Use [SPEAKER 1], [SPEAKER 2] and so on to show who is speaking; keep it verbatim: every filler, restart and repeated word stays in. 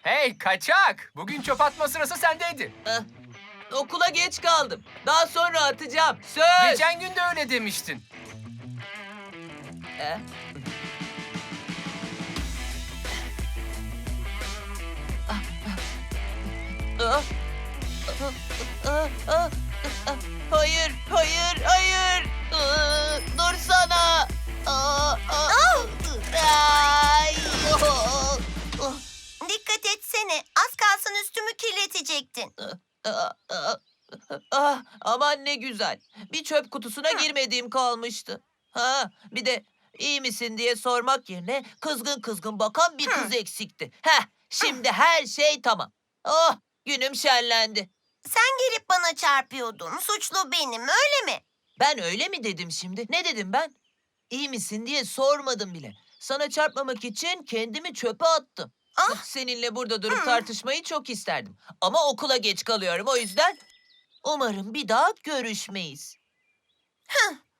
[SPEAKER 1] Hey kaçak! Bugün çöp atma sırası sendeydi.
[SPEAKER 2] Eh, okula geç kaldım. Daha sonra atacağım. Söz.
[SPEAKER 1] Geçen gün de öyle demiştin.
[SPEAKER 2] Eh. Ah. Ah, ah, ah, ah. Hayır, hayır, hayır. Ah, Dursana. Ah, ah. Ay, oh, oh.
[SPEAKER 3] Dikkat etsene. Az kalsın üstümü kirletecektin.
[SPEAKER 2] Ah, ah, ah, aman ne güzel. Bir çöp kutusuna girmediğim kalmıştı. Ha, bir de iyi misin diye sormak yerine kızgın kızgın bakan bir kız eksikti. Heh, şimdi her şey tamam. Oh, günüm şenlendi.
[SPEAKER 3] Sen gelip bana çarpıyordun. Suçlu benim, öyle mi?
[SPEAKER 2] Ben öyle mi dedim şimdi? Ne dedim ben? İyi misin diye sormadım bile. Sana çarpmamak için kendimi çöpe attım.
[SPEAKER 3] Ah!
[SPEAKER 2] Seninle burada durup
[SPEAKER 3] Hmm.
[SPEAKER 2] tartışmayı çok isterdim. Ama okula geç kalıyorum o yüzden umarım bir daha görüşmeyiz.